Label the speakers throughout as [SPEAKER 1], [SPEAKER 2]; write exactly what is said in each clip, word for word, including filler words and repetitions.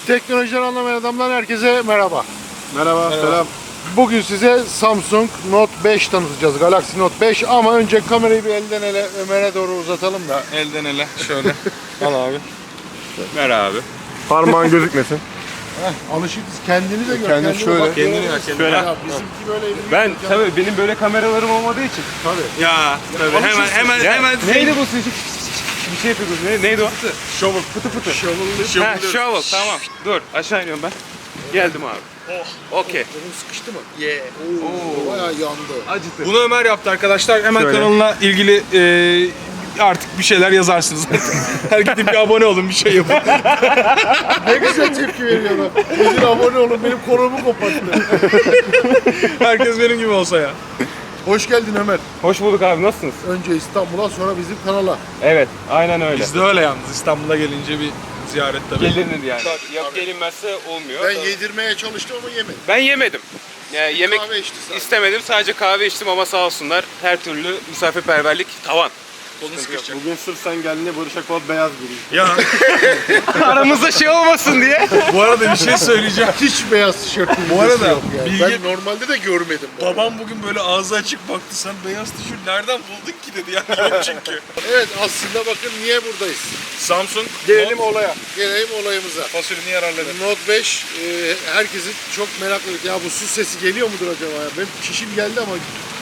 [SPEAKER 1] Teknolojiden anlamayan adamlar herkese merhaba.
[SPEAKER 2] Merhaba,
[SPEAKER 1] Merhaba.
[SPEAKER 2] selam.
[SPEAKER 1] Bugün size Samsung Note beş tanıtacağız. Galaxy Note beş ama önce kamerayı bir elden ele Ömer'e doğru uzatalım da.
[SPEAKER 2] Elden ele şöyle. Al abi. Ver abi.
[SPEAKER 3] Parmağın gözükmesin.
[SPEAKER 1] Heh, alışıksız kendini de gör.
[SPEAKER 3] Kendini şöyle.
[SPEAKER 1] bak,
[SPEAKER 2] Kendini
[SPEAKER 1] göremezsin.
[SPEAKER 2] ya, kendini.
[SPEAKER 1] Ya, bizimki böyle elini
[SPEAKER 4] Ben
[SPEAKER 1] tutacağım.
[SPEAKER 4] tabii benim böyle kameralarım olmadığı için.
[SPEAKER 1] Tabii.
[SPEAKER 2] Ya tabii hemen hemen
[SPEAKER 4] Ya,
[SPEAKER 2] hemen
[SPEAKER 4] neydi bu sizin? Bir şey yapıyordunuz. Ne, neydi o?
[SPEAKER 2] Shovel.
[SPEAKER 4] Fıtı fıtı.
[SPEAKER 2] Shovel.
[SPEAKER 4] Ha, shovel. Tamam. Dur. Aşağı iniyorum ben. Geldim abi. Oh. Okey.
[SPEAKER 1] Bunun sıkıştı mı?
[SPEAKER 2] Yeah.
[SPEAKER 1] Oo, bayağı yandı.
[SPEAKER 4] Acıtı.
[SPEAKER 2] Bunu Ömer yaptı arkadaşlar. Hemen
[SPEAKER 3] Şöyle.
[SPEAKER 2] kanalına ilgili e, artık bir şeyler yazarsınız. Her gidip bir abone olun, bir şey yapın.
[SPEAKER 1] Ne güzel tepki veriyorlar. Gidin abone olun, benim kolumu koparttı.
[SPEAKER 2] Herkes benim gibi olsa ya.
[SPEAKER 1] Hoş geldin Ömer.
[SPEAKER 4] Hoş bulduk abi. Nasılsınız?
[SPEAKER 1] Önce İstanbul'a sonra bizim kanala.
[SPEAKER 4] Evet. Aynen öyle.
[SPEAKER 2] Biz de öyle yalnız. İstanbul'a gelince bir ziyaret tabii.
[SPEAKER 4] Gelinir yani.
[SPEAKER 1] Tabii,
[SPEAKER 4] Yok
[SPEAKER 1] tabii.
[SPEAKER 4] gelinmezse olmuyor.
[SPEAKER 1] Ben yedirmeye çalıştım ama yemedim.
[SPEAKER 4] Ben yemedim. Yani yemek
[SPEAKER 1] Kahve içti sadece.
[SPEAKER 4] istemedim. Sadece kahve içtim ama sağ olsunlar. Her türlü misafirperverlik tavan.
[SPEAKER 2] Kolunu sıkışacak.
[SPEAKER 3] Bugün sırf sen geldiğinde Barış Akbal beyaz giymiş.
[SPEAKER 2] Ya
[SPEAKER 4] Aramızda şey olmasın diye.
[SPEAKER 2] bu arada bir şey söyleyeceğim.
[SPEAKER 1] Hiç beyaz tişörtüm
[SPEAKER 2] Bu arada
[SPEAKER 1] yok yani.
[SPEAKER 2] bilgi-
[SPEAKER 1] Ben normalde de görmedim. bu arada.
[SPEAKER 2] Babam bugün böyle ağzı açık baktı. Sen beyaz tişört nereden buldun ki dedi. Yani yok çünkü.
[SPEAKER 1] Evet, aslında bakın niye buradayız.
[SPEAKER 2] Samsung
[SPEAKER 3] Gelelim
[SPEAKER 2] Note
[SPEAKER 3] olaya.
[SPEAKER 1] Gelelim olayımıza.
[SPEAKER 2] fasulünü yararladı.
[SPEAKER 1] Note beş e, herkesin çok meraklı. Ya bu su sesi geliyor mudur acaba ya? Benim çişim geldi ama.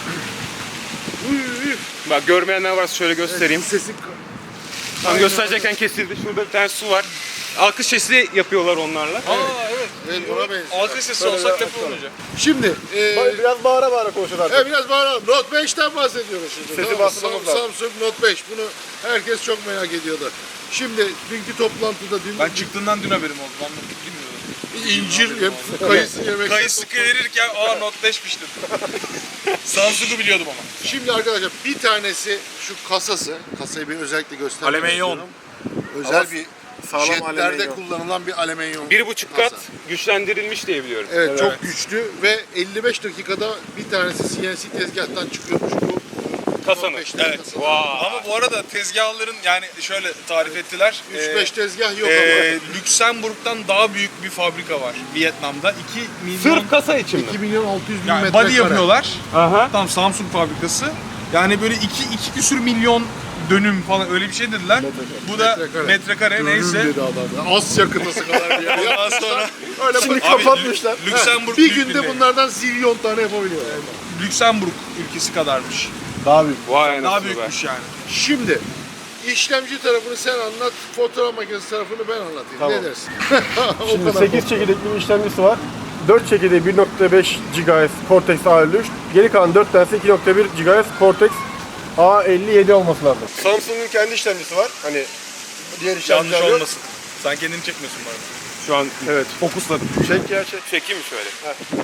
[SPEAKER 1] Uy, uy.
[SPEAKER 4] Bak görmeyenler varsa şöyle göstereyim.
[SPEAKER 1] Evet, sesi.
[SPEAKER 4] Tam gösterecekken kesildi. Şurada bir tane su var. Alkış sesi yapıyorlar onlarla.
[SPEAKER 2] Aa evet.
[SPEAKER 1] Evet, buna benziyor.
[SPEAKER 2] Alkış sesi olsak lafı olacak.
[SPEAKER 1] Şimdi e,
[SPEAKER 3] Biraz bağıra bağıra konuşun artık.
[SPEAKER 1] e, biraz bağıralım. Note beşten bahsediyoruz şimdi.
[SPEAKER 3] Sesi
[SPEAKER 1] Tamam mı?
[SPEAKER 3] bastırmamız
[SPEAKER 1] Sam-
[SPEAKER 3] lazım.
[SPEAKER 1] Samsung Note beş. Bunu herkes çok merak ediyordu. Şimdi dünkü toplantıda dün
[SPEAKER 2] Ben çıktığından dün haberim oldu. Ben bunu bilmiyordum.
[SPEAKER 1] incir yem, kayısı yemek.
[SPEAKER 2] Kayısı verirken aa Note beşmiş dedim. Samsung'u biliyordum ama.
[SPEAKER 1] Şimdi arkadaşlar bir tanesi şu kasası. Kasayı bir özellikle göstermek
[SPEAKER 2] Alüminyum.
[SPEAKER 1] istiyorum. Özel bir
[SPEAKER 3] sağlam
[SPEAKER 1] jetlerde
[SPEAKER 3] alüminyum.
[SPEAKER 1] kullanılan bir alüminyum
[SPEAKER 4] Bir buçuk
[SPEAKER 1] kasa.
[SPEAKER 4] kat güçlendirilmiş diye biliyorum.
[SPEAKER 1] Evet,
[SPEAKER 2] Evet.
[SPEAKER 1] çok güçlü ve elli beş dakikada bir tanesi C N C tezgahtan çıkıyormuş bu.
[SPEAKER 4] Kasanın.
[SPEAKER 1] beşten
[SPEAKER 2] Evet.
[SPEAKER 1] kasa.
[SPEAKER 4] Vay.
[SPEAKER 2] Ama bu arada tezgahların yani şöyle tarif ettiler.
[SPEAKER 1] üç beş tezgah yok
[SPEAKER 2] Ee,
[SPEAKER 1] ama.
[SPEAKER 2] Lüksemburg'dan daha büyük bir fabrika var Vietnam'da. iki milyon
[SPEAKER 4] Sırf kasa için mi?
[SPEAKER 1] iki milyon altı yüz bin
[SPEAKER 2] yani
[SPEAKER 1] metrekare.
[SPEAKER 2] body yapıyorlar.
[SPEAKER 4] Aha.
[SPEAKER 2] Tam Samsung fabrikası. Yani böyle iki, iki küsür milyon dönüm falan öyle bir şey dediler. Bu da
[SPEAKER 1] Metrekare.
[SPEAKER 2] metrekare,
[SPEAKER 1] Dönüm
[SPEAKER 2] neyse.
[SPEAKER 1] dedi adam. ya. Asya kıtası kadar bir yer.
[SPEAKER 2] Ondan sonra
[SPEAKER 1] Öyle
[SPEAKER 3] Şimdi
[SPEAKER 1] bak-
[SPEAKER 2] Abi,
[SPEAKER 3] kapatmışlar.
[SPEAKER 2] Lü- Lüksemburg
[SPEAKER 1] bir
[SPEAKER 2] büyük
[SPEAKER 1] günde
[SPEAKER 2] bir-
[SPEAKER 1] bunlardan zilyon tane yapabiliyorlar.
[SPEAKER 2] Lüksemburg ülkesi kadarmış.
[SPEAKER 3] Daha büyük.
[SPEAKER 4] Vay
[SPEAKER 2] Daha
[SPEAKER 4] anasını be.
[SPEAKER 2] büyükmüş yani.
[SPEAKER 1] Şimdi işlemci tarafını sen anlat, fotoğraf makinesi tarafını ben anlatayım.
[SPEAKER 3] Tamam.
[SPEAKER 1] Ne dersin? o
[SPEAKER 3] Şimdi
[SPEAKER 1] kadar.
[SPEAKER 3] sekiz çekirdekli bir işlemcisi var. dört çekirdeği bir nokta beş gigahertz Cortex A elli üç. Geri kalan dört tanesi iki nokta bir gigahertz Cortex A elli yedi olması lazım. Samsung'un kendi işlemcisi var. Hani diğer
[SPEAKER 2] Yanlış
[SPEAKER 3] işlemciler yok.
[SPEAKER 2] olmasın. Sen kendini çekmiyorsun bu arada.
[SPEAKER 4] Şu an
[SPEAKER 3] Evet.
[SPEAKER 4] fokusladım.
[SPEAKER 3] Çek ya çek.
[SPEAKER 4] Çekeyim mi şöyle?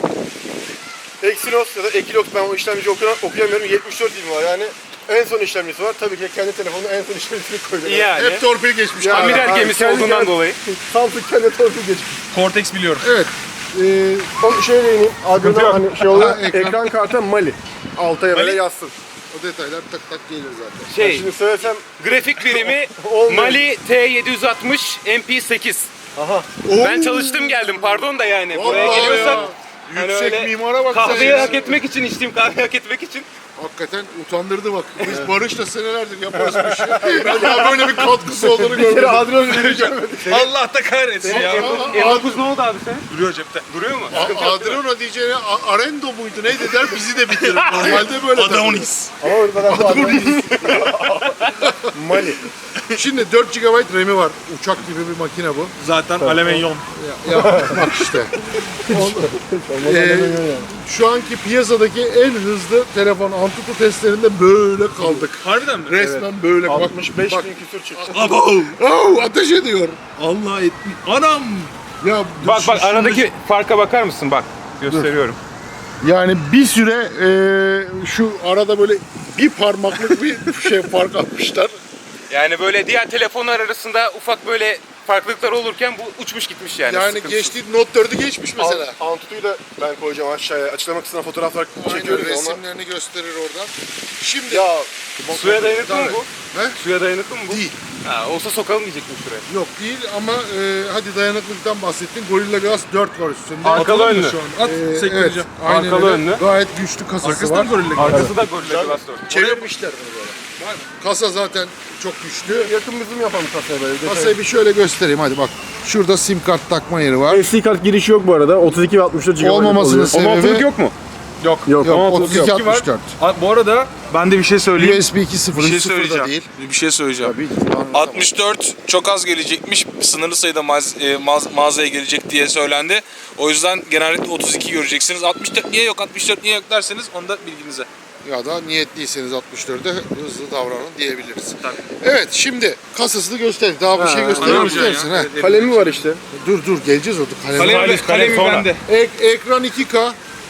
[SPEAKER 3] Exynos ya da Equinox, ben o işlemci okuya- okuyamıyorum. yetmiş dört dilim var yani. En son işlemcisi var. Tabii ki kendi telefonuna en son işlemcisini koyuyor.
[SPEAKER 4] Yani.
[SPEAKER 1] Hep torpil geçmiş.
[SPEAKER 3] Ya,
[SPEAKER 4] Amiral
[SPEAKER 3] ha,
[SPEAKER 4] gemisi
[SPEAKER 3] kendi-
[SPEAKER 4] olduğundan
[SPEAKER 3] kendi-
[SPEAKER 4] dolayı.
[SPEAKER 3] Samsung kendi torpil geçmiş.
[SPEAKER 2] Cortex biliyorum.
[SPEAKER 1] Evet. Ee,
[SPEAKER 3] Onu şöyle değineyim.
[SPEAKER 4] Sıkıntı
[SPEAKER 3] Adına
[SPEAKER 4] yok.
[SPEAKER 3] hani şey oluyor.
[SPEAKER 1] Ha, ekran.
[SPEAKER 3] ekran kartı Mali. Altaya böyle
[SPEAKER 2] Mali?
[SPEAKER 3] yazsın.
[SPEAKER 1] o detaylar tak tak gelir zaten.
[SPEAKER 4] Şey,
[SPEAKER 3] Şimdi söylesem
[SPEAKER 4] grafik birimi
[SPEAKER 3] Olmuyor.
[SPEAKER 4] Mali T yedi yüz altmış M P sekiz.
[SPEAKER 3] aha.
[SPEAKER 4] Ben çalıştım geldim pardon da yani. Buraya
[SPEAKER 1] Vallahi
[SPEAKER 4] geliyorsak
[SPEAKER 1] ya.
[SPEAKER 4] hani
[SPEAKER 1] Yüksek
[SPEAKER 4] öyle
[SPEAKER 1] mimara bak sen
[SPEAKER 4] kahveyi
[SPEAKER 1] ya.
[SPEAKER 4] hak etmek için içtiğim kahveyi hak etmek için.
[SPEAKER 1] Hakikaten utandırdı bak. Biz Barış'la senelerdir yaparız bu işi. Ben daha böyle bir katkısı olduğunu
[SPEAKER 3] Bir kere
[SPEAKER 1] görmedim.
[SPEAKER 3] Adrian ödülü görmedik.
[SPEAKER 2] Allah da kahretsin ya.
[SPEAKER 1] Aa,
[SPEAKER 4] M dokuz ne oldu abi sen?
[SPEAKER 2] Duruyor cepte.
[SPEAKER 4] Duruyor mu?
[SPEAKER 1] A- Adriano diyeceğine A- Arendo muydu neydi der bizi de bitirir. Normalde böyle der.
[SPEAKER 2] Adonis.
[SPEAKER 3] Ama orada ben bu Adrian Mali.
[SPEAKER 1] Şimdi dört gigabayt RAM'i var. Uçak gibi bir makine bu.
[SPEAKER 2] Zaten alüminyum.
[SPEAKER 1] Ya, ya bak işte. Ee, şu anki piyasadaki en hızlı telefon Antutu testlerinde böyle kaldık.
[SPEAKER 2] Harbiden mi?
[SPEAKER 1] Resmen böyle bak.
[SPEAKER 3] altmış beş
[SPEAKER 1] bak.
[SPEAKER 3] bin küsür çıktı.
[SPEAKER 2] Abo.
[SPEAKER 1] Oh, ateş ediyor.
[SPEAKER 2] Allah etmiş. Anam.
[SPEAKER 1] Ya
[SPEAKER 4] Bak bak
[SPEAKER 1] şu-
[SPEAKER 4] aradaki farka bakar mısın? Bak gösteriyorum.
[SPEAKER 1] Yani bir süre e, şu arada böyle bir parmaklık bir şey fark atmışlar.
[SPEAKER 4] Yani böyle diğer telefonlar arasında ufak böyle farklılıklar olurken bu uçmuş gitmiş yani.
[SPEAKER 1] Yani
[SPEAKER 4] sıkıntısız.
[SPEAKER 1] geçti Note dördü geçmiş mesela.
[SPEAKER 3] An- Antutu'yu da ben koyacağım aşağıya. Açıklama kısmına fotoğraflar
[SPEAKER 1] Aynen
[SPEAKER 3] çekiyoruz ama.
[SPEAKER 1] resimlerini gösterir oradan. Şimdi
[SPEAKER 3] Ya
[SPEAKER 4] Suya dayanıklı mı
[SPEAKER 1] Tabii.
[SPEAKER 4] bu?
[SPEAKER 1] He?
[SPEAKER 4] Suya dayanıklı mı bu?
[SPEAKER 1] Değil.
[SPEAKER 4] Ha, olsa sokalım diyecektim şuraya.
[SPEAKER 1] Yok değil ama e, hadi dayanıklılıktan bahsettin. Gorilla Glass dört var üstünde.
[SPEAKER 4] Arkalı önlü.
[SPEAKER 2] Şu an. At
[SPEAKER 1] Ee, evet,
[SPEAKER 2] sektireceğim.
[SPEAKER 1] aynen
[SPEAKER 4] Arkalı
[SPEAKER 1] öyle.
[SPEAKER 4] önlü.
[SPEAKER 1] Gayet güçlü kasası
[SPEAKER 2] Arkasında
[SPEAKER 1] var.
[SPEAKER 2] mı Gorilla Glass?
[SPEAKER 4] Arkası da Gorilla Glass dört.
[SPEAKER 1] Çevirmişler bunu böyle. Kasa zaten çok güçlü.
[SPEAKER 3] yakın bizim yapalım kasaya böyle.
[SPEAKER 1] Kasayı bir şöyle göstereyim hadi bak. Şurada sim kart takma yeri var.
[SPEAKER 3] S D kart girişi yok bu arada. otuz iki ve altmış dört gigabayt
[SPEAKER 1] Olmamasının
[SPEAKER 3] oluyor.
[SPEAKER 1] sebebi-
[SPEAKER 4] Otomatik yok mu?
[SPEAKER 2] Yok.
[SPEAKER 3] Yok.
[SPEAKER 1] Yok
[SPEAKER 2] Ama
[SPEAKER 1] otuz iki
[SPEAKER 2] otuz iki var.
[SPEAKER 1] altmış dört.
[SPEAKER 2] A- Bu arada ben de bir şey söyleyeyim.
[SPEAKER 1] U S B iki sıfır
[SPEAKER 2] Bir şey
[SPEAKER 1] sıfır da
[SPEAKER 2] söyleyeceğim.
[SPEAKER 1] değil.
[SPEAKER 2] Bir şey söyleyeceğim.
[SPEAKER 1] Tabii ki. Anlatamam.
[SPEAKER 5] altmış dört çok az gelecekmiş. Sınırlı sayıda mağaz- e, mağaz- mağazaya gelecek diye söylendi. O yüzden genellikle otuz iki göreceksiniz. altmış dört niye yok, altmış dört niye yok derseniz onu da bilginize.
[SPEAKER 1] Ya da niyetliyseniz altmış dörde hızlı davranın diyebiliriz. Evet şimdi kasasını göster. Daha bir şey göstermek
[SPEAKER 2] anlamayacağım
[SPEAKER 1] ister misin?
[SPEAKER 2] ya.
[SPEAKER 1] ha?
[SPEAKER 3] Kalemi var işte.
[SPEAKER 1] Dur dur geleceğiz orada. Kalem.
[SPEAKER 2] Kalemi,
[SPEAKER 4] Kalem
[SPEAKER 2] kalemi
[SPEAKER 4] sonra.
[SPEAKER 2] bende.
[SPEAKER 1] Ek- ekran iki K.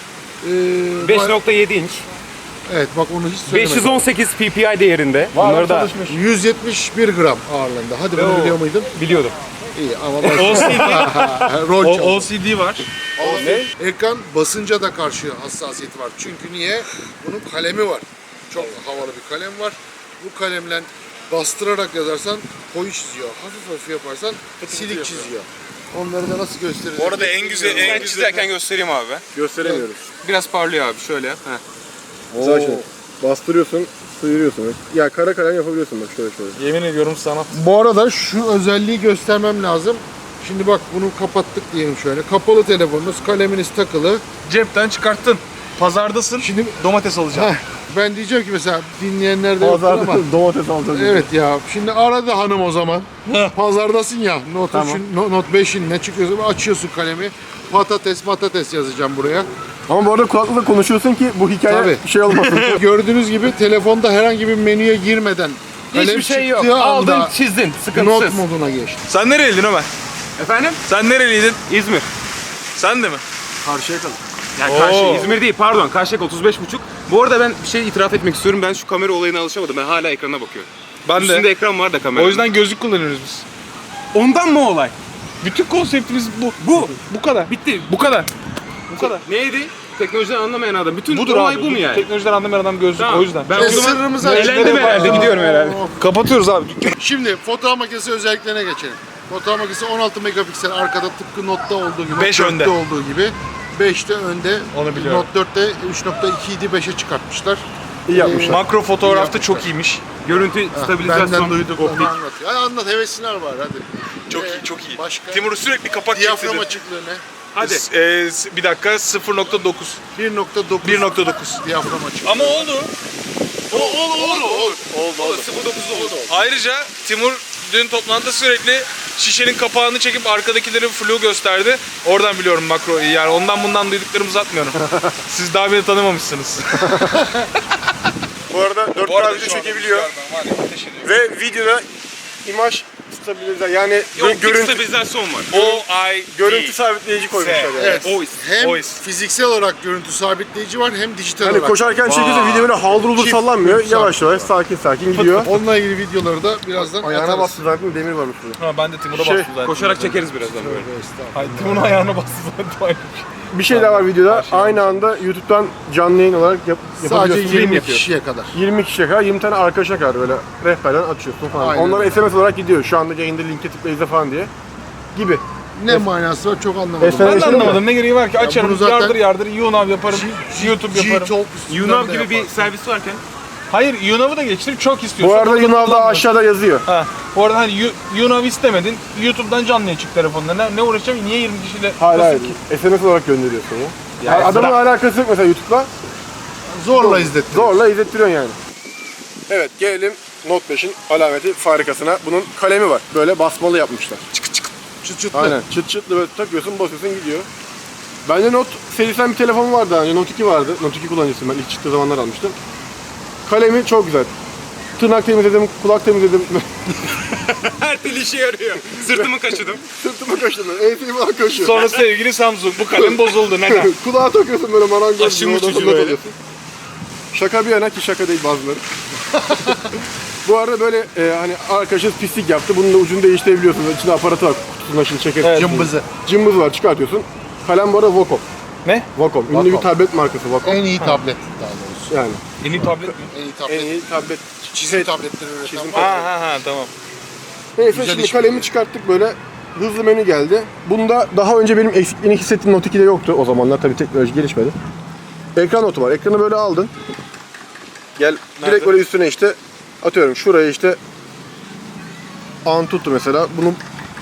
[SPEAKER 1] Ee,
[SPEAKER 4] beş
[SPEAKER 1] bak-
[SPEAKER 4] nokta yedi inç.
[SPEAKER 1] Evet bak onu hiç söylemedim.
[SPEAKER 4] beş yüz on sekiz p p i değerinde. Bunları da
[SPEAKER 1] yüz yetmiş bir gram ağırlığında. Hadi bunu
[SPEAKER 4] Oo.
[SPEAKER 1] biliyor muydun?
[SPEAKER 4] biliyordum.
[SPEAKER 1] İyi ama ben...
[SPEAKER 2] O C D,
[SPEAKER 1] Rol
[SPEAKER 2] o,
[SPEAKER 1] çaldım.
[SPEAKER 2] O C D var.
[SPEAKER 1] Ne? Ekran basınca da karşı hassasiyeti var. Çünkü niye? Bunun kalemi var. Çok havalı bir kalem var. Bu kalemle bastırarak yazarsan koyu çiziyor. Hafif hafif yaparsan silik çiziyor. Onları da nasıl göstereceğiz?
[SPEAKER 5] Bu arada en güzel
[SPEAKER 4] Ben
[SPEAKER 5] en güzel
[SPEAKER 4] çizerken göstereyim abi.
[SPEAKER 3] Gösteremiyoruz.
[SPEAKER 4] Biraz parlıyor abi şöyle. Heh.
[SPEAKER 3] Güzel şey. Bastırıyorsun, sıyırıyorsun. Ya kara kalem yapabiliyorsun bak şöyle şöyle.
[SPEAKER 2] Yemin ediyorum sanat.
[SPEAKER 1] Bu arada şu özelliği göstermem lazım. Şimdi bak bunu kapattık diyelim şöyle. Kapalı telefonunuz, kaleminiz takılı.
[SPEAKER 2] Cepten çıkarttın. Pazardasın.
[SPEAKER 1] Şimdi
[SPEAKER 2] Domates alacağım.
[SPEAKER 1] heh, ben diyeceğim ki mesela dinleyenler de yoktur ama.
[SPEAKER 3] Pazarda domates alacağız.
[SPEAKER 1] Evet ya. Şimdi aradı hanım o zaman. Pazardasın ya. Note, üçün, no- Note beşin ne çıkıyorsa açıyorsun kalemi. Patates patates yazacağım buraya.
[SPEAKER 3] Ama bu arada kulaklıkla konuşuyorsun ki bu hikaye
[SPEAKER 1] Tabii.
[SPEAKER 3] şey olmasın.
[SPEAKER 1] Gördüğünüz gibi telefonda herhangi bir menüye girmeden kalem
[SPEAKER 4] Hiçbir şey yok.
[SPEAKER 1] çıktığı
[SPEAKER 4] Aldın,
[SPEAKER 1] anda
[SPEAKER 4] çizdin.
[SPEAKER 1] not
[SPEAKER 4] Sıkıntısız.
[SPEAKER 1] moduna geçti.
[SPEAKER 2] Sen nereliydin Ömer?
[SPEAKER 4] Efendim?
[SPEAKER 2] Sen nereliydin?
[SPEAKER 4] İzmir.
[SPEAKER 2] Sen de mi?
[SPEAKER 3] Karşıya kalın.
[SPEAKER 4] Yani Karşı, İzmir değil pardon. Karşıyaka otuz beş buçuk. Bu arada ben bir şey itiraf etmek istiyorum. Ben şu kamera olayına alışamadım. Ben hala ekrana bakıyorum.
[SPEAKER 2] Ben
[SPEAKER 4] Üstünde
[SPEAKER 2] de.
[SPEAKER 4] ekran var da kamera.
[SPEAKER 2] O yüzden gözlük kullanıyoruz biz.
[SPEAKER 4] ondan mı olay?
[SPEAKER 2] Bütün konseptimiz bu.
[SPEAKER 4] Bu.
[SPEAKER 2] Bu kadar.
[SPEAKER 4] Bitti.
[SPEAKER 2] Bu kadar. Bu kadar.
[SPEAKER 4] Neydi? Teknolojiden anlamayan adam. Bütün
[SPEAKER 2] Budur
[SPEAKER 4] olay
[SPEAKER 2] abi.
[SPEAKER 4] bu mu yani?
[SPEAKER 2] Teknolojiden anlamayan adam gözlük
[SPEAKER 4] Tamam.
[SPEAKER 2] o yüzden.
[SPEAKER 4] Ben
[SPEAKER 1] E,
[SPEAKER 4] o zaman
[SPEAKER 1] sırrımızı
[SPEAKER 4] eğlendim
[SPEAKER 1] açtık.
[SPEAKER 4] herhalde.
[SPEAKER 1] Aa.
[SPEAKER 4] Gidiyorum herhalde.
[SPEAKER 2] Kapatıyoruz abi.
[SPEAKER 1] Şimdi fotoğraf makinesi özelliklerine geçelim. Fotoğraf makinesi on altı megapiksel arkada tıpkı Note'da olduğu gibi.
[SPEAKER 2] Beş
[SPEAKER 1] Note
[SPEAKER 2] önde.
[SPEAKER 1] dörtte olduğu gibi. beşte önde.
[SPEAKER 2] Onu biliyorum.
[SPEAKER 1] Note dörtte üç nokta iki idi beşe çıkartmışlar.
[SPEAKER 3] İyi yapmışlar.
[SPEAKER 2] Makro fotoğrafta
[SPEAKER 1] yapmışlar.
[SPEAKER 2] çok iyiymiş.
[SPEAKER 4] Görüntü
[SPEAKER 1] Benden
[SPEAKER 4] stabilizasyon.
[SPEAKER 1] duyduk
[SPEAKER 4] optik.
[SPEAKER 1] onu anlat. Ya anlat hevesliler var hadi.
[SPEAKER 5] Çok
[SPEAKER 1] Ee,
[SPEAKER 5] iyi, çok iyi.
[SPEAKER 1] Başka?
[SPEAKER 5] Timur sürekli kapak
[SPEAKER 1] Diyafram
[SPEAKER 5] getirdi.
[SPEAKER 1] açıklığı ne?
[SPEAKER 4] Hadi.
[SPEAKER 2] Ee, s- bir dakika sıfır nokta dokuz.
[SPEAKER 1] bir nokta dokuz.
[SPEAKER 2] bir nokta dokuz.
[SPEAKER 1] Diyafram açıklığı.
[SPEAKER 5] Ama oldu. O, olur, olur, olur.
[SPEAKER 2] Oldu oldu.
[SPEAKER 5] sıfır dokuz oldu. Ayrıca Timur dün toplantıda sürekli şişenin kapağını çekip arkadakileri flu gösterdi. Oradan biliyorum makroyu. Yani ondan bundan duyduklarımı uzatmıyorum. Siz daha beni tanımamışsınız.
[SPEAKER 3] Bu arada dört
[SPEAKER 5] Bu
[SPEAKER 3] K
[SPEAKER 5] arada
[SPEAKER 3] video
[SPEAKER 5] şu anda
[SPEAKER 3] çekebiliyor.
[SPEAKER 5] rüzgardan var ya, ateş ediyor.
[SPEAKER 3] Ve videoda imaj stabilize yani
[SPEAKER 4] Optik
[SPEAKER 3] görüntü
[SPEAKER 4] stabilizasyon var.
[SPEAKER 5] O I
[SPEAKER 3] görüntü sabitleyici koymuşlar yani.
[SPEAKER 1] Evet.
[SPEAKER 4] Voice.
[SPEAKER 1] Hem
[SPEAKER 5] Voice.
[SPEAKER 1] fiziksel olarak görüntü sabitleyici var hem dijital
[SPEAKER 3] Hani
[SPEAKER 1] olarak.
[SPEAKER 3] koşarken çekiyorsa video böyle haldır uldur
[SPEAKER 1] Çift
[SPEAKER 3] sallanmıyor.
[SPEAKER 1] çift
[SPEAKER 3] Yavaş
[SPEAKER 1] sabit
[SPEAKER 3] yavaş sakin sakin gidiyor.
[SPEAKER 1] Onunla ilgili videoları da birazdan
[SPEAKER 3] Ayağına
[SPEAKER 1] atarız.
[SPEAKER 3] bastı zaten demir varmış burada.
[SPEAKER 2] Ha, ben de Timur'a
[SPEAKER 3] Şey,
[SPEAKER 2] bastım zaten.
[SPEAKER 4] Koşarak çekeriz birazdan böyle.
[SPEAKER 1] Tövbe estağfurullah.
[SPEAKER 2] Hayır, Timur'un ayağına bastı zaten.
[SPEAKER 3] Bir şey daha var videoda. Aynı anda YouTube'dan canlı yayın olarak yap,
[SPEAKER 1] Sadece
[SPEAKER 3] yapabiliyorsun.
[SPEAKER 1] yirmi
[SPEAKER 4] yapıyor.
[SPEAKER 1] kişiye kadar.
[SPEAKER 3] yirmi kişiye kadar yirmi tane arkadaşa kadar böyle rehberden açıyorsun falan.
[SPEAKER 1] Aynen.
[SPEAKER 3] Onlara S M S olarak gidiyor. Şu anda yayında linke tıkla izle falan diye. Gibi.
[SPEAKER 1] Ne manası var çok anlamadım.
[SPEAKER 3] Efendim?
[SPEAKER 2] Ben de
[SPEAKER 3] Yaşadın mı?
[SPEAKER 2] anlamadım. Ne gereği var ki? Açarım,
[SPEAKER 1] bunu zaten-
[SPEAKER 2] yardır yardır, YouNav yaparım, YouTube yaparım.
[SPEAKER 1] G-Talk üstünden
[SPEAKER 4] YouNav
[SPEAKER 1] de
[SPEAKER 4] gibi bir
[SPEAKER 1] yaparsın.
[SPEAKER 4] servis varken
[SPEAKER 2] Hayır, YouNav'ı da geçtim. Çok istiyorsun.
[SPEAKER 3] Bu arada
[SPEAKER 2] Orada
[SPEAKER 3] Yunav'da
[SPEAKER 2] kullanmıyorum.
[SPEAKER 3] aşağıda yazıyor.
[SPEAKER 2] Ha. Bu arada hani You- YouNav istemedin. YouTube'dan canlıya çık telefonla. Ne, ne uğraşacağım? Niye yirmi kişiyle?
[SPEAKER 3] Hayır hayır.
[SPEAKER 2] Nasıl ki?
[SPEAKER 3] S M S olarak gönderiyorsun ya.
[SPEAKER 4] Yani
[SPEAKER 3] Adamın alakası yok mesela YouTube'la.
[SPEAKER 1] Zorla izlettim.
[SPEAKER 3] Zorla izlettiriyorsun yani. Evet gelelim Note beşin alameti farikasına. Bunun kalemi var. Böyle basmalı yapmışlar.
[SPEAKER 1] Çıt çıtlı.
[SPEAKER 3] Aynen. Çıt çıtlı böyle takıyorsun basıyorsun gidiyor. Bende Note serisinden bir telefon vardı daha önce. Note iki vardı. Note iki kullanıcısıyım ben. İlk çıktığı zamanlar almıştım. Kalemi çok güzel. Tırnak temizledim, kulak temizledim.
[SPEAKER 4] her türlü işe yarıyor. Sırtımı kaşıdım.
[SPEAKER 3] Sırtımı kaşıdım. Ensemi falan kaşıyor.
[SPEAKER 2] Sonra sevgili Samsung, bu kalem bozuldu. Neden?
[SPEAKER 3] Kulağa takıyorsun böyle marangoz.
[SPEAKER 4] Aşım
[SPEAKER 3] gibi,
[SPEAKER 4] uçucu
[SPEAKER 3] oradan not
[SPEAKER 4] böyle.
[SPEAKER 3] alıyorsun. Şaka bir yana ki şaka değil bazıları. Bu arada böyle e, hani arkadaşınız pislik yaptı. Bunun da ucunu değiştirebiliyorsunuz. İçinde aparatı var. Kutusunu şimdi çeker.
[SPEAKER 5] Evet.
[SPEAKER 1] Cımbızı.
[SPEAKER 3] Cımbız var, çıkartıyorsun. Kalem bu arada Wacom.
[SPEAKER 5] Ne?
[SPEAKER 3] Wacom. Ünlü
[SPEAKER 1] Wacom.
[SPEAKER 3] bir tablet markası Wacom.
[SPEAKER 1] En iyi tablet daha doğrusu.
[SPEAKER 3] Yani
[SPEAKER 5] En iyi tablet mi?
[SPEAKER 1] En iyi
[SPEAKER 3] en
[SPEAKER 1] tablet.
[SPEAKER 3] iyi tablet.
[SPEAKER 1] Çizim tabletleri üreten.
[SPEAKER 3] Çizim
[SPEAKER 5] Ha ha ha tamam.
[SPEAKER 3] Neyse
[SPEAKER 1] Güzel
[SPEAKER 3] şimdi
[SPEAKER 1] iş
[SPEAKER 3] kalemi
[SPEAKER 1] biliyor.
[SPEAKER 3] çıkarttık böyle. Hızlı menü geldi. Bunda daha önce benim eksikliğini hissettiğim Note ikide yoktu. O zamanlar tabii teknoloji gelişmedi. Ekran notu var. Ekranı böyle aldın. Gel
[SPEAKER 5] Nerede?
[SPEAKER 3] direkt böyle üstüne işte atıyorum şuraya işte Antutu mesela. Bunu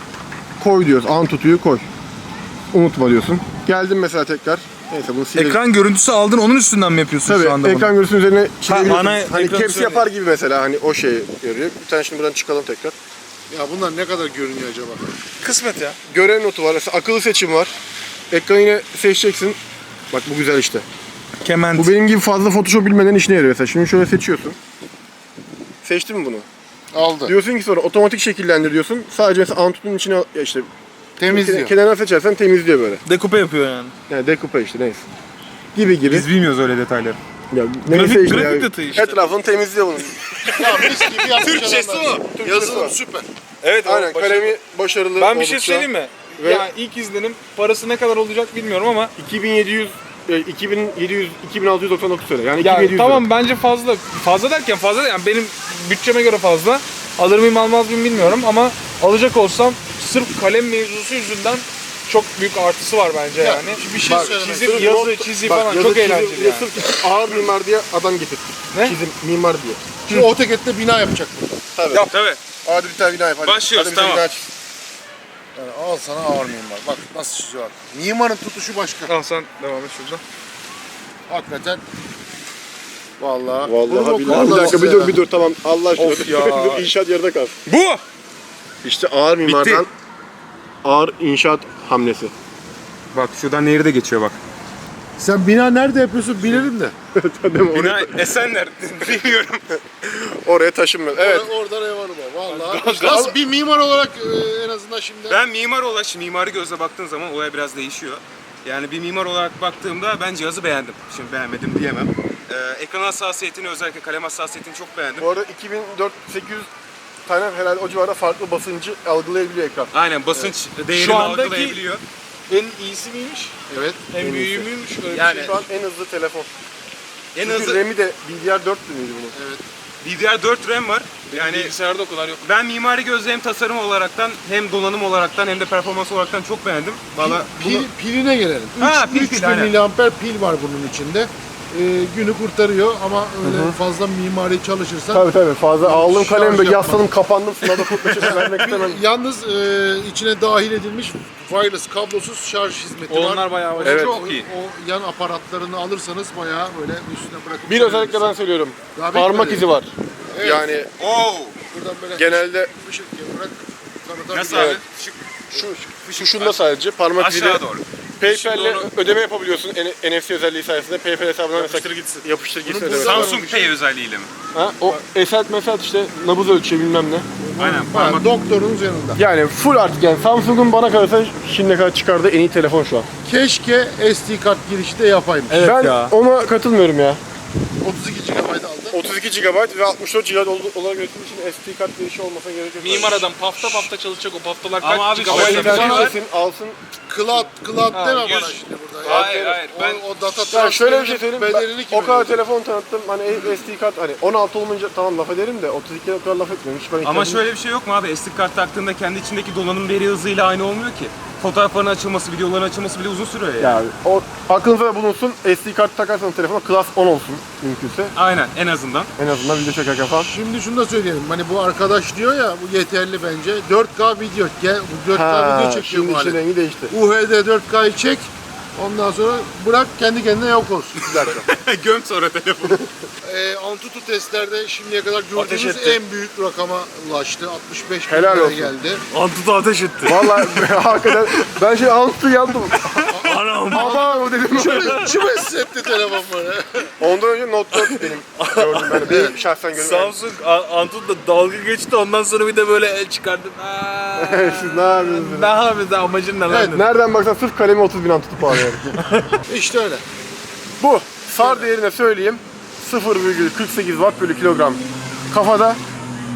[SPEAKER 3] koy diyoruz. Antutu'yu koy. Unutma diyorsun. Geldim mesela tekrar. Neyse bunu silelim.
[SPEAKER 5] Ekran görüntüsü aldın onun üstünden mi yapıyorsun
[SPEAKER 3] Tabii
[SPEAKER 5] şu anda
[SPEAKER 3] ekran
[SPEAKER 5] bunu?
[SPEAKER 3] görüntüsünün üzerine çizebiliyorsun.
[SPEAKER 5] ana
[SPEAKER 3] Hani
[SPEAKER 5] ekranı
[SPEAKER 3] caps
[SPEAKER 5] söyle.
[SPEAKER 3] yapar gibi mesela hani o şey görüyor. Bir tane şimdi buradan çıkalım tekrar.
[SPEAKER 1] Ya bunlar ne kadar görünüyor acaba?
[SPEAKER 5] Kısmet ya.
[SPEAKER 3] Görev notu var. Mesela akıllı seçim var. Ekranı yine seçeceksin. Bak bu güzel işte.
[SPEAKER 5] Kement.
[SPEAKER 3] Bu benim gibi fazla Photoshop bilmeden işine yarıyor mesela. Şimdi şöyle seçiyorsun. Seçtin mi bunu?
[SPEAKER 1] Aldı.
[SPEAKER 3] Diyorsun ki sonra otomatik şekillendir diyorsun. Sadece mesela Antutu'nun içine ya işte
[SPEAKER 1] Temizliyor.
[SPEAKER 3] kenarına seçersen temizliyor böyle.
[SPEAKER 5] Dekupe yapıyor yani.
[SPEAKER 3] Yani decoupe işte neyse. Gibi gibi.
[SPEAKER 4] Biz bilmiyoruz öyle detayları.
[SPEAKER 3] Ya, neyse
[SPEAKER 5] Grafik-
[SPEAKER 3] işte
[SPEAKER 5] grafik
[SPEAKER 3] ya.
[SPEAKER 5] detayı işte.
[SPEAKER 3] Etrafını temizliyor bunun.
[SPEAKER 1] Ya mis gibi yapmış
[SPEAKER 5] Türkçesi
[SPEAKER 1] adamlar.
[SPEAKER 5] o.
[SPEAKER 3] Türkçesi
[SPEAKER 1] Yazılım
[SPEAKER 3] o.
[SPEAKER 1] süper.
[SPEAKER 5] Evet
[SPEAKER 3] Aynen kalemi başarılı
[SPEAKER 5] Ben bir şey
[SPEAKER 3] oldukça.
[SPEAKER 5] söyleyeyim mi?
[SPEAKER 3] Ve-
[SPEAKER 5] Ya ilk izlenim parası ne kadar olacak bilmiyorum ama
[SPEAKER 3] iki bin yedi yüz e, iki bin yedi yüz iki bin altı yüz doksan dokuz lira. Yani iki bin
[SPEAKER 5] ya
[SPEAKER 3] yedi yüz
[SPEAKER 5] tamam
[SPEAKER 3] lira.
[SPEAKER 5] bence fazla. Fazla derken fazla yani benim bütçeme göre fazla. Alır mıyım almaz mıyım bilmiyorum ama alacak olsam sırf kalem mevzusu yüzünden çok büyük artısı var bence
[SPEAKER 1] Ya,
[SPEAKER 5] yani.
[SPEAKER 1] bir şey
[SPEAKER 5] Bak,
[SPEAKER 1] söylemek
[SPEAKER 5] çizim,
[SPEAKER 3] Sırf
[SPEAKER 5] yazı,
[SPEAKER 3] not-
[SPEAKER 5] çizi
[SPEAKER 3] bak,
[SPEAKER 5] falan
[SPEAKER 3] yazı,
[SPEAKER 5] çok
[SPEAKER 3] çizim
[SPEAKER 5] eğlenceli
[SPEAKER 3] diye
[SPEAKER 5] yani.
[SPEAKER 3] Sırf ağır mimar diye adam getirdik.
[SPEAKER 5] Ne?
[SPEAKER 3] Çizim mimar diye.
[SPEAKER 1] Şimdi AutoCAD'de bina yapacak burada.
[SPEAKER 3] Tabii.
[SPEAKER 5] Yap.
[SPEAKER 4] Tabii.
[SPEAKER 3] Hadi bir tane bina yap. Hadi.
[SPEAKER 4] Başlıyoruz,
[SPEAKER 3] Hadi bir tane
[SPEAKER 4] tamam.
[SPEAKER 3] bina çiz.
[SPEAKER 1] Yani al sana ağır mimar. Bak nasıl çiziyor bak. Mimarın tutuşu başka.
[SPEAKER 5] Al sen devam et şuradan.
[SPEAKER 1] Hakikaten. Vallahi.
[SPEAKER 3] Vallahi
[SPEAKER 1] Bunu
[SPEAKER 3] billahi.
[SPEAKER 1] okulda
[SPEAKER 3] Bir dakika bir
[SPEAKER 1] nasıl
[SPEAKER 3] dur bir dur tamam. Allah aşkına.
[SPEAKER 5] Of ya.
[SPEAKER 3] Dur, İnşaat yarıda kalsın.
[SPEAKER 5] Bu!
[SPEAKER 3] İşte ağır mimardan ağır inşaat hamlesi.
[SPEAKER 4] Bak şuradan nehri de geçiyor bak.
[SPEAKER 1] Sen bina nerede yapıyorsun bilirim de.
[SPEAKER 3] Değil mi?
[SPEAKER 4] Bina
[SPEAKER 3] Oraya,
[SPEAKER 4] Esenler. Bilmiyorum.
[SPEAKER 3] oraya taşınmıyor. Evet.
[SPEAKER 1] Or- Oradan ev hanıma. Vallahi. Nasıl bir mimar olarak e, en azından şimdi.
[SPEAKER 4] Ben mimar olarak, şimdi mimari gözle baktığın zaman olay biraz değişiyor. Yani bir mimar olarak baktığımda ben cihazı beğendim. Şimdi beğenmedim diyemem. Ee, ekran hassasiyetini, özellikle kalem hassasiyetini çok beğendim.
[SPEAKER 3] Bu arada iki bin dört sekiz yüz tane herhalde o civarda farklı basıncı algılayabiliyor ekran.
[SPEAKER 4] Aynen, basınç değerini
[SPEAKER 5] Şu andaki-
[SPEAKER 4] algılayabiliyor.
[SPEAKER 5] En iyisi miymiş?
[SPEAKER 1] Evet.
[SPEAKER 5] En büyüğü müymüş? Öyle bir
[SPEAKER 4] Yani-
[SPEAKER 5] şey.
[SPEAKER 3] Şu an en hızlı telefon.
[SPEAKER 4] En
[SPEAKER 3] Çünkü
[SPEAKER 4] hızlı
[SPEAKER 3] RAM'i de D D R dört miydi bunun?
[SPEAKER 1] Evet.
[SPEAKER 4] D D R dört RAM var.
[SPEAKER 5] Yani
[SPEAKER 4] Yani
[SPEAKER 5] bilgisayarda o kadar yok.
[SPEAKER 4] ben mimari gözle hem tasarım olaraktan hem donanım olaraktan hem de performans olaraktan çok beğendim. Valla
[SPEAKER 1] Pil,
[SPEAKER 4] bunu
[SPEAKER 1] piline gelelim.
[SPEAKER 4] Ha, pil,
[SPEAKER 1] üç
[SPEAKER 4] pil,
[SPEAKER 1] bin
[SPEAKER 4] aynen.
[SPEAKER 1] miliamper pil var bunun içinde. Ee, günü kurtarıyor ama öyle fazla mimari çalışırsan
[SPEAKER 3] Tabii tabii fazla aldığım
[SPEAKER 1] Şarj
[SPEAKER 3] kalemi böyle
[SPEAKER 1] yapma.
[SPEAKER 3] yasladım kapandım sınavda kurtlaşıp vermek istemem.
[SPEAKER 1] yalnız e, içine dahil edilmiş wireless kablosuz şarj hizmeti var.
[SPEAKER 5] Onlar bayağı
[SPEAKER 1] O
[SPEAKER 3] Evet.
[SPEAKER 1] çok
[SPEAKER 4] Çok iyi.
[SPEAKER 1] O yan aparatlarını alırsanız bayağı böyle üstüne bırakıp
[SPEAKER 3] Bir özellikle ben söylüyorum.
[SPEAKER 1] Daha
[SPEAKER 3] Parmak
[SPEAKER 1] bitmedi.
[SPEAKER 3] izi var.
[SPEAKER 1] Evet.
[SPEAKER 3] Yani
[SPEAKER 4] Oo!
[SPEAKER 1] buradan böyle
[SPEAKER 3] genelde
[SPEAKER 1] ışık gibi bırak tanıtabiliyor.
[SPEAKER 4] Nasıl abi?
[SPEAKER 3] Evet.
[SPEAKER 4] Şu,
[SPEAKER 3] şu şunda sadece parmak iziyle
[SPEAKER 4] aşağı doğru.
[SPEAKER 3] PayPal'le
[SPEAKER 4] Şimdi onu-
[SPEAKER 3] ödeme yapabiliyorsun N- N F C özelliği sayesinde. PayPal hesabına mesela
[SPEAKER 5] gitsin.
[SPEAKER 3] yapıştır gitsin
[SPEAKER 1] Bunu
[SPEAKER 3] ödeme.
[SPEAKER 1] burada-
[SPEAKER 4] Samsung Pay özelliğiyle mi?
[SPEAKER 3] Ha, o eselt meselt işte nabız ölçüyor bilmem ne.
[SPEAKER 4] Aynen,
[SPEAKER 1] Ha,
[SPEAKER 4] parmak.
[SPEAKER 1] doktorunuz yanında.
[SPEAKER 3] Yani full artık yani Samsung'un bana kalırsa şimdiye kadar çıkardığı en iyi telefon şu an.
[SPEAKER 1] Keşke S D kart girişi de yapaymış.
[SPEAKER 5] Evet
[SPEAKER 3] ben
[SPEAKER 5] ya.
[SPEAKER 3] ona katılmıyorum ya.
[SPEAKER 1] otuz iki gigabayt aldı.
[SPEAKER 3] otuz iki gigabayt ve altmış dört gigabayt ol- olarak üretildiği için S D kart girişi olmasa gerek yok.
[SPEAKER 5] Mimar adam pafta pafta çalışacak o paftalar
[SPEAKER 4] Ama
[SPEAKER 5] kaç
[SPEAKER 4] abi
[SPEAKER 5] gigabayt
[SPEAKER 3] Ama
[SPEAKER 4] şöyle bir
[SPEAKER 5] yapacak?
[SPEAKER 4] şey var.
[SPEAKER 3] alsın, alsın.
[SPEAKER 1] Cloud, cloud
[SPEAKER 5] Ha,
[SPEAKER 1] deme
[SPEAKER 5] yüz-
[SPEAKER 1] bana şimdi burada. ya.
[SPEAKER 4] Hayır hayır
[SPEAKER 1] O,
[SPEAKER 4] ben
[SPEAKER 1] o data
[SPEAKER 3] Yani şöyle bir şey
[SPEAKER 1] transferinin
[SPEAKER 3] söyleyeyim.
[SPEAKER 1] bedelini
[SPEAKER 3] Ben
[SPEAKER 1] kim
[SPEAKER 3] o kadar
[SPEAKER 1] ödeyecek?
[SPEAKER 3] telefon tanıttım. Hani S D kart hani on altı olmayınca tamam laf ederim de otuz ikiye o kadar laf etmiyorum. Hiç ben
[SPEAKER 4] ama
[SPEAKER 3] ihtiyacım-
[SPEAKER 4] şöyle bir şey yok mu abi? S D kart taktığında kendi içindeki donanım veri hızıyla aynı olmuyor ki. Fotoğrafların açılması, videoların açılması bile uzun sürüyor yani.
[SPEAKER 3] Ya o aklınıza da bulunsun. S D kart takarsanız telefona Class on olsun mümkünse.
[SPEAKER 4] Aynen, en azından.
[SPEAKER 3] En azından video çekerken falan.
[SPEAKER 1] Şimdi şunu da söyleyelim. Hani bu arkadaş diyor ya bu yeterli bence. dört K video. Gel, bu dört K
[SPEAKER 3] Ha,
[SPEAKER 1] video çekiyor
[SPEAKER 3] şimdi
[SPEAKER 1] bu
[SPEAKER 3] için
[SPEAKER 1] alet.
[SPEAKER 3] rengi değişti.
[SPEAKER 1] U H D dört K'yı çek. Ondan sonra bırak kendi kendine yok olsun.
[SPEAKER 3] Bir dakika.
[SPEAKER 4] Göm sonra telefonu.
[SPEAKER 1] e, Antutu testlerde şimdiye kadar
[SPEAKER 5] Ateş
[SPEAKER 1] gördüğümüz
[SPEAKER 5] etti.
[SPEAKER 1] en büyük rakama ulaştı. altmış beş bin
[SPEAKER 3] Helal
[SPEAKER 1] liraya
[SPEAKER 3] olsun.
[SPEAKER 1] geldi.
[SPEAKER 5] Antutu ateş etti.
[SPEAKER 3] Vallahi hakikaten ben şey altı yandım.
[SPEAKER 5] Anam.
[SPEAKER 3] Ama o dedim.
[SPEAKER 1] Kim hissetti telefon bana?
[SPEAKER 3] Ondan önce Note dört benim gördüm ben. Benim şahsen gördüm.
[SPEAKER 5] Samsung Antutu'da dalga geçti ondan sonra bir de böyle el çıkardım. Aa,
[SPEAKER 3] Siz ne yapıyorsunuz?
[SPEAKER 5] ne yapıyorsun amacın ne lan?
[SPEAKER 3] Evet, nereden baksan sırf kalemi otuz bin tutup ağlıyorum.
[SPEAKER 1] İşte öyle.
[SPEAKER 3] Bu S A R değerine söyleyeyim. sıfır virgül kırk sekiz watt bölü kilogram kafada,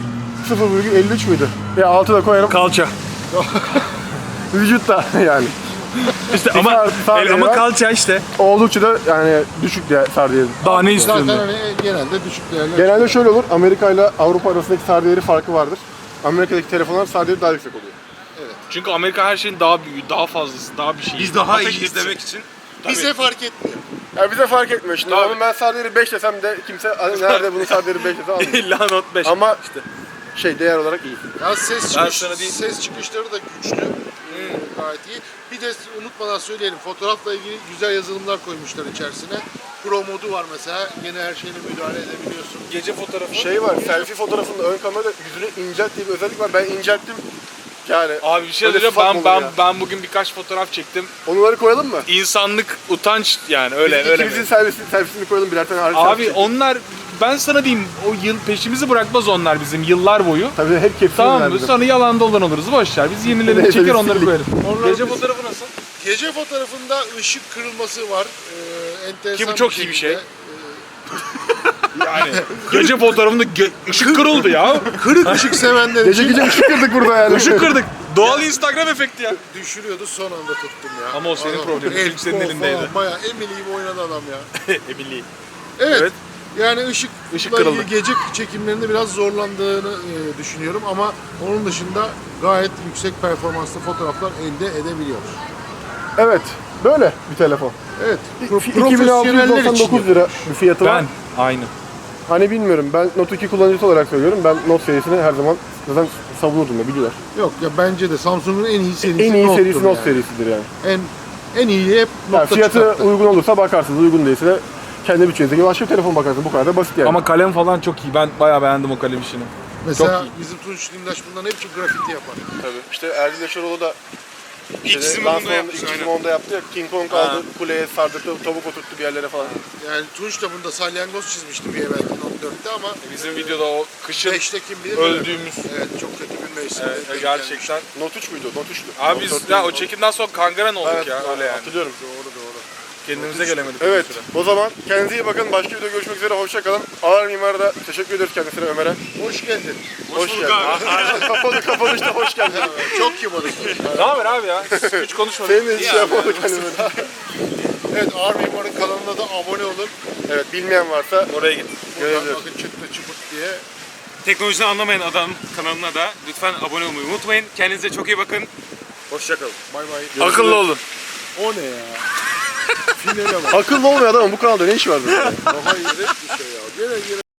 [SPEAKER 3] sıfır virgül elli üç müydü? Ya altı da koyarım.
[SPEAKER 5] Kalça.
[SPEAKER 3] Vücutta yani.
[SPEAKER 5] İşte ama
[SPEAKER 3] sar- sar
[SPEAKER 5] el- ama
[SPEAKER 3] var.
[SPEAKER 5] kalça işte.
[SPEAKER 3] Oldukça da yani düşük diye sar değeri.
[SPEAKER 5] Daha ne istiyorsun?
[SPEAKER 1] Zaten hani genelde düşük değerler.
[SPEAKER 3] Genelde şöyle olur. Amerika ile Avrupa arasındaki sar değeri farkı vardır. Amerika'daki telefonlar sar değeri daha yüksek oluyor.
[SPEAKER 5] Çünkü Amerika her şeyin daha büyüğü, daha fazlası, daha bir şey.
[SPEAKER 4] Biz daha iyi izlemek için.
[SPEAKER 1] Bize fark etmiyor.
[SPEAKER 3] Ya bize fark etmiyor. Şimdi
[SPEAKER 5] Tabii.
[SPEAKER 3] onun ben sar değeri beş desem de kimse nerede bunun sar değeri beş dese anlamıyor.
[SPEAKER 5] İlla not beş.
[SPEAKER 3] Ama işte şey değer olarak iyi.
[SPEAKER 1] Ya ses,
[SPEAKER 5] Ben
[SPEAKER 1] çıkış,
[SPEAKER 5] sana diyeyim.
[SPEAKER 1] ses çıkışları da güçlü. Ee, gayet iyi. Bir de unutmadan söyleyelim. Fotoğrafla ilgili güzel yazılımlar koymuşlar içerisine. Pro modu var mesela. Gene her şeyine müdahale edebiliyorsun.
[SPEAKER 5] Gece fotoğrafı.
[SPEAKER 3] Şey var, selfie fotoğrafında ön kamerada yüzünü incelt diye bir özellik var. Ben incelttim. Yani
[SPEAKER 5] Abi bir şey
[SPEAKER 3] öyle
[SPEAKER 5] diyeceğim.
[SPEAKER 3] sıfat
[SPEAKER 5] Ben
[SPEAKER 3] mı olur
[SPEAKER 5] ben
[SPEAKER 3] ya?
[SPEAKER 5] ben bugün birkaç fotoğraf çektim.
[SPEAKER 3] Onları koyalım mı?
[SPEAKER 5] İnsanlık utanç yani öyle
[SPEAKER 3] Biz
[SPEAKER 5] öyle.
[SPEAKER 3] İkimizin
[SPEAKER 5] mi?
[SPEAKER 3] selfie'sini, selfie'sini koyalım birer tane hariç.
[SPEAKER 5] Abi
[SPEAKER 3] selfie.
[SPEAKER 5] onlar ben sana diyeyim o yıl peşimizi bırakmaz onlar bizim yıllar boyu.
[SPEAKER 3] Tabii hep kepsimiz
[SPEAKER 5] Tamam
[SPEAKER 3] var
[SPEAKER 5] mı?
[SPEAKER 3] bizim.
[SPEAKER 5] Sonra yalan dolan oluruz. Boş ver. Biz yenilerini
[SPEAKER 3] Neyse,
[SPEAKER 5] çeker
[SPEAKER 3] biz
[SPEAKER 5] onları
[SPEAKER 3] sildik.
[SPEAKER 5] koyarız.
[SPEAKER 1] Onlar
[SPEAKER 5] Gece
[SPEAKER 1] biz-
[SPEAKER 5] fotoğrafı nasıl?
[SPEAKER 1] Gece fotoğrafında ışık kırılması var. Ee, enteresan
[SPEAKER 5] Ki bu çok iyi bir
[SPEAKER 1] şekilde.
[SPEAKER 5] şey. Yani gece fotoğrafında gö- ışık kırıldı ya.
[SPEAKER 1] Kırık ışık sevenler
[SPEAKER 3] Gece
[SPEAKER 1] için
[SPEAKER 3] gece ışık kırdık burada yani.
[SPEAKER 5] Işık kırdık. Doğal Instagram efekti ya.
[SPEAKER 1] düşürüyordu, son anda tuttum ya.
[SPEAKER 5] Ama o senin
[SPEAKER 1] Adam,
[SPEAKER 5] problemin,
[SPEAKER 1] el,
[SPEAKER 5] çünkü senin
[SPEAKER 1] kol
[SPEAKER 5] elindeydi.
[SPEAKER 1] falan, Bayağı Emily gibi oynadı adam ya.
[SPEAKER 5] Emily.
[SPEAKER 1] Evet.
[SPEAKER 5] Evet.
[SPEAKER 1] Yani ışıkla
[SPEAKER 5] Işık kırıldı.
[SPEAKER 1] ilgili gece çekimlerinde biraz zorlandığını e, düşünüyorum ama onun dışında gayet yüksek performanslı fotoğraflar elde edebiliyor.
[SPEAKER 3] Evet, böyle bir telefon.
[SPEAKER 1] Evet.
[SPEAKER 3] iki bin altı yüz
[SPEAKER 1] Profesyoneller
[SPEAKER 3] doksan
[SPEAKER 1] için
[SPEAKER 3] dokuz lira bir fiyatı var.
[SPEAKER 5] Ben aynı.
[SPEAKER 3] Hani bilmiyorum, ben Note iki kullanıcısı olarak söylüyorum. Ben Note serisini her zaman zaten savunurdum da biliyorlar.
[SPEAKER 1] Yok ya, bence de Samsung'un en iyi serisi
[SPEAKER 3] En iyi
[SPEAKER 1] Note'dur
[SPEAKER 3] serisi Note
[SPEAKER 1] yani.
[SPEAKER 3] serisidir yani.
[SPEAKER 1] En en iyiyi hep
[SPEAKER 3] Yani
[SPEAKER 1] Note'da
[SPEAKER 3] fiyatı
[SPEAKER 1] çıkarttı.
[SPEAKER 3] uygun olursa bakarsınız, uygun değilse de kendi bütçenizdeki başka bir telefon bakarsınız. Bu kadar da basit yani.
[SPEAKER 5] Ama kalem falan çok iyi. Ben bayağı beğendim o kalem işini.
[SPEAKER 1] Mesela
[SPEAKER 5] çok iyi.
[SPEAKER 1] bizim Tunç Lindaş bundan hep çok grafiti yapar.
[SPEAKER 3] tabii. İşte Erdil Yaşaroğlu da
[SPEAKER 4] İlk
[SPEAKER 3] işte
[SPEAKER 4] çizimi bunda
[SPEAKER 3] lansmanında
[SPEAKER 4] yapmış.
[SPEAKER 3] ilk
[SPEAKER 4] Aynen.
[SPEAKER 3] çizimi onda yaptı ya. King Kong aldı, kuleye sardırdı, tavuk oturttu bir yerlere falan.
[SPEAKER 1] Yani Tunç da bunda salyangoz çizmişti bir evvelki Note dörtte ama
[SPEAKER 5] Bizim videoda o kışın
[SPEAKER 1] beşte kim bilir
[SPEAKER 5] öldüğümüz.
[SPEAKER 1] Evet, çok kötü bir mevsimde.
[SPEAKER 5] Evet,
[SPEAKER 1] denk
[SPEAKER 5] gerçekten.
[SPEAKER 3] Note üç müydü? Note üçtü.
[SPEAKER 5] Abi
[SPEAKER 3] Note
[SPEAKER 5] biz
[SPEAKER 3] dört
[SPEAKER 5] ya
[SPEAKER 3] değil.
[SPEAKER 5] o çekimden sonra kangren olduk
[SPEAKER 3] Evet,
[SPEAKER 5] ya öyle yani.
[SPEAKER 3] hatırlıyorum.
[SPEAKER 1] Doğru doğru.
[SPEAKER 5] Kendimize gelemedik.
[SPEAKER 3] Evet,
[SPEAKER 5] bir süre.
[SPEAKER 3] o zaman kendinize iyi bakın. Başka videoda görüşmek üzere. Hoşça kalın. Ağır Mimar'a da teşekkür ediyoruz kendisine, Ömer'e.
[SPEAKER 1] Hoş geldin.
[SPEAKER 3] Hoş,
[SPEAKER 4] bulduk
[SPEAKER 3] geldin. Kapalı kapanışta hoş geldin.
[SPEAKER 1] Çok kibarız.
[SPEAKER 5] Ne haber abi ya? Hiç konuşmadık.
[SPEAKER 3] Senin de hiç şey yapamadık hani böyle.
[SPEAKER 1] Evet, Ağır Mimar'ın kanalına da abone olun.
[SPEAKER 3] Evet, bilmeyen varsa
[SPEAKER 5] Oraya git.
[SPEAKER 1] Buradan
[SPEAKER 3] Görebilir.
[SPEAKER 1] bakın çıktı çıpırt diye.
[SPEAKER 4] Teknolojiden anlamayan adam kanalına da lütfen abone olmayı unutmayın. Kendinize çok iyi bakın.
[SPEAKER 5] Hoşçakalın.
[SPEAKER 1] Bay bay.
[SPEAKER 5] Akıllı olun.
[SPEAKER 1] O ne ya? Finale bak.
[SPEAKER 3] akıllı olmayan adamın bu kanalda ne işi var böyle?
[SPEAKER 1] Daha iyi bir şey ya. Gene gene.